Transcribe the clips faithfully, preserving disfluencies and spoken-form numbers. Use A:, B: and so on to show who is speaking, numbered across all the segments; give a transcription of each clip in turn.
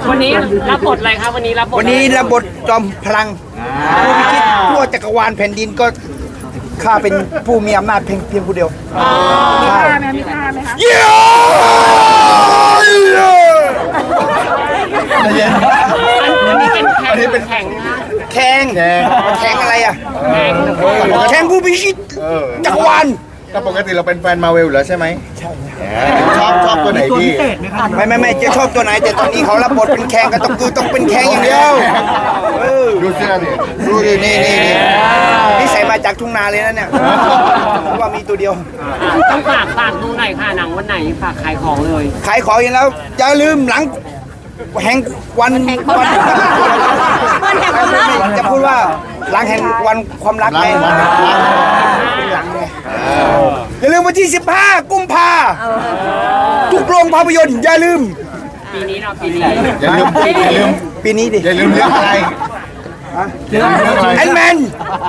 A: วันนี้รับบทอะไรครับวันนี้รับบท
B: วันนี้รับบทจอมพลังผู้พิชิตทั่วจักรวาลแผ่นดินก็ข้าเป็นผู้มีอำนาจเพียงเพียงผู้เดียวใช่มีค่าไหมคะเย้
A: อันนี้เป็นแข่งเป็นแข่งนะ
B: แข่งแข่งอะไรอ่ะ
A: แข่ง
B: แข่งผู้พิชิตจักรวาล
C: ก็ปกติเราเป็นแฟนมาเวลอยู่แล้วใช่ไหมใช่ชอบชอบตัวไหนพี่
B: ไม่ไม่ไม่จะชอบตัวไหนแต่ตอนนี้เขารับบทเป็นแข่งก็ต้องคือต้องเป็นแข่งอย่างเดียวเออ
C: ดูเสื้อดิ
B: ดูดินี่นี่นี่นี่ใส่มาจากทุ่งนาเลยนะเนี่ยเพราะว่ามีตัวเดียว
A: ต้องฝากฝากดูหน่อยค่ะหนังวันไหนฝากขายของเลย
B: ขายของอย่างแล้วอย่าลืมหลังแห่งวันวันวันแห่งความรักจะพูดว่าหลังแห่งวันความรักไงเป็นหลังไงอย่าลืมวันที่สิบห้ากุมภาทุกโรงภาพยนตร์อย่าลืม
A: ปีนี้เนาะปีนี้
C: อย่าลืมอย่าลืม
B: ปีนี้ดิ
C: อย่าลืมเรื่องอะไรเรื่องอะไร
B: แอนแมน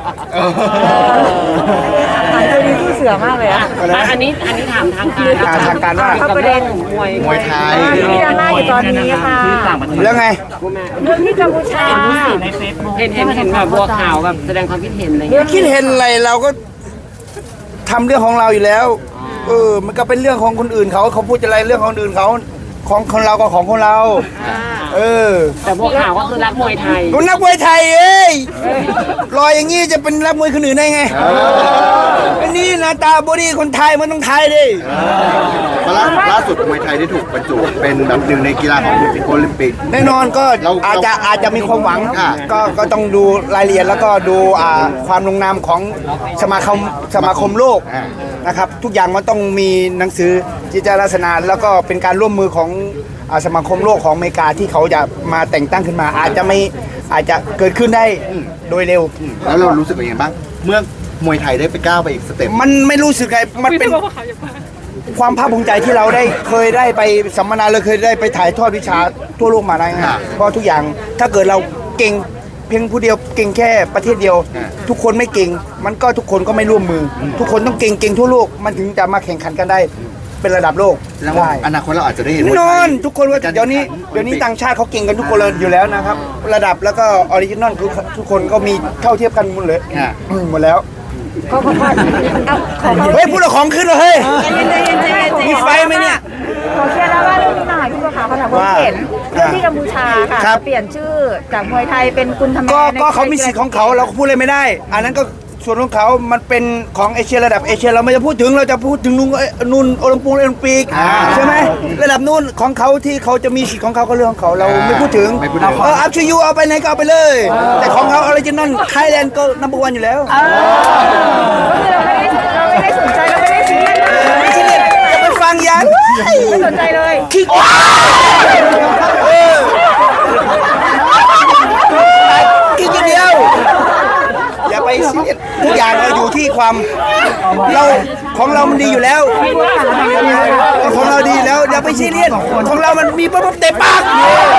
D: ตัวนี้ผู้เสือมากเลยอะ
A: อันนี้อันนี้ถามทางการ
B: ทางการว่า
A: กับเรื่องมวย
C: มวยไทย
D: ที่ดังหน้าอยู่ตอนนี้ค่ะ
B: แล้วไง
D: เรื่องที่กัมพูชา
A: เห็นเห็นเห็นแบบบัวขาวแบบแสดงความคิดเห็นอะไรอย่างเงี้ย
B: คิดเห็นอะไรเราก็ทำเรื่องของเราอยู่แล้วเออมันก็เป็นเรื่องของคนอื่นเขาเขาพูดอะไรเรื่องของคนอื่นเขาของคนเราก็ของคนเราเออ
A: แต่บัวขาวก็คือรักมวยไทย
B: คนนักมวยไทยเอ้ยรอยอย่างงี้จะเป็นนักมวยคนอื่นได้ไงอันนี้หน้าตาบอดี้คนไทยมันต้องไทยดิ
C: ล่าล่าสุดมวยไทยได้ถูกบรรจุเป็นแบบหนึ่งในกีฬาของโอลิมปิก
B: แน่นอนก็
C: เรา
B: อาจจะอาจจะมีความหวัง
C: อ่า
B: ก็ก็ต้องดูรายละเอียดแล้วก็ดูอ่าความลงนามของสมาคมสมาคมโลก
C: อ่า
B: นะครับทุกอย่างมันต้องมีหนังสือจิตรลักษณะแล้วก็เป็นการร่วมมือของอ่าสมาคมโลกของอเมริกาที่เขาจะมาแต่งตั้งขึ้นมา อาจจะไม่อาจจะเกิดขึ้นได้โดยเร็ว
C: แล้วเรารู้สึกยังไงบ้างเมื่อมวยไทยได้ไปก้าวไปอีกสเต็ป
B: มันไม่รู้สึกไงมันเป็นความภาคภูมิใจที่เราได้เคยได้ไปสัมมนาเราเคยได้ไปถ่ายทอดวิชาทั่วโลกมาได้ไงเพราะทุกอย่างถ้าเกิดเราเก่งเพียงผู้เดียวเก่งแค่ประเทศเดียว ทุกคนไม่เก่งมันก็ทุกคนก็ไม่ร่วมมือ ทุกคนต้องเก่งเก่งทั่วโลกมันถึงจะมาแข่งขันกันได้เป็นระดับโลก
C: แล้ว
B: ได้
C: อนาคตเราอาจจะได้เห็น
B: แน่
C: มวย
B: น
C: ไท
B: อน
C: ย
B: ทุกคนว่าเดี๋ยวนี้เดี๋ยวนี้ต่างชาติเขาเก่งกันทุกคนเลยอยู่แล้วนะครับ ระดับแล้วก็ออริจินอลคือทุกคนก็มีเท่าเทียบกันหมดเลยอืมหมดแล้ว
D: เขาเขาเอาขอ
B: เฮ้ยพูดเอาของขึ้นเลยเฮ้ย
D: ใจเย็นใจเย็นใจเย็น
B: มีไฟไหมเนี่ย
D: ขอเคลียร์แล้วว่าเรื่องนี้หน่อยพี่บัวขาวเขาถามว่าเห็นเรื่องที่กัมพูชาค่ะ
B: ครับ
D: เปลี่ยนชื่อจากมวยไทยเป็นกุนทำแม
B: ก็
D: ใน
B: ก็เขามีสิทธิ์ของเขาเราก็พูดเลยไม่ได้ อันนั้นก็ส่วนของเขามันเป็นของเอเชียระดับเอเชียเราไม่จะพูดถึงเราจะพูดถึงนู่นเอ้ยนู่นโอลิมปิกโอลิมปิกใช่ไหมระดับนู่นของเขาที่เขาจะมีสิทธิ์ของเขาก็เรื่องของเขาเราไม่พูดถึง
C: ไม่พูดถึง
B: เอออัพชูยูเอาไปไหนก็เอาไปเลย แต่ของเขาออริจินอลไทยแลนด์ก็นัมเบอร์วันอยู่แล้ว
D: ก็คือเราไม่ได้เราไม่ได้สนใจเราไม่ได้ซีเรียสเลย
B: ไม่ใช่เนี่ยจะไปฟังยัน
D: ไม่สนใจเลย
B: คิดเออคิดอย่างเดียวอย่าไปซีเรียสทุกอย่างเราอยู่ที่ความเราของเรามันดีอยู่แล้วของเราดีอยู่แล้วอย่าไปซีเรียสของเรามันมีปั๊บเตะปาก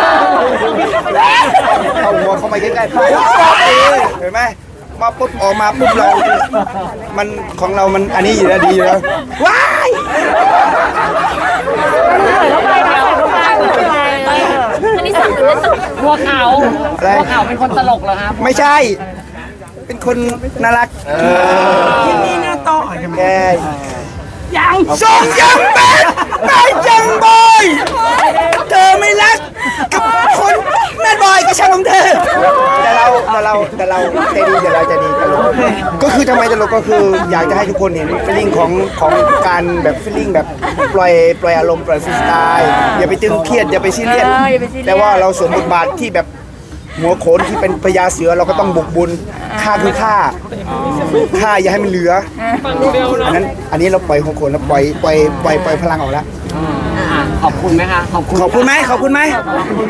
B: เอาหัวเข้ามาใกล้ๆปุ๊บเห็นไหมมาปุ๊บออกมาปุ๊บเรา มันของเรามันอันนี้อยู่แล้วดีอยู่แล้วว้าย
D: อันนี้สั่งหรือเล่นตลก
A: บัวขาวบัวขาวเป็นคนตลกเหรอครับ
B: ไม่ใช่ เป็นคนน่ารักที่นี่น่าโตแกยังส่งยังเป็นไม่จังบอยเธอไม่รักกับคนแม่บอยก็ช่างของเธอแต่เราแต่เราแต่เราใจดีแต่เราใจดีตลกก็คือทำไมตลกก็คืออยากจะให้ทุกคนเห็นฟีลลิ่งของของการแบบฟีลลิ่งแบบปล่อยปล่อยอารมณ์ปล่อยฟรีสไตล์อย่าไปตึงเครียดอย่าไปซีเรียสแต่ว่าเราสวมบทบาทที่แบบหัวโขนที่เป็นพญาเสือเราก็ต้องบุกบุญฆ่าคือฆ่าฆ่าอย่าให้มันเหลืออันนั้นอันนี้เราปล่อยหัวโขนแล้วปล่อยปล่อยปล่อยปล่อยพลังออกแล้ว
A: ขอบคุณไหมคะขอบคุณ
B: ขอบคุณไหมขอบคุณไหม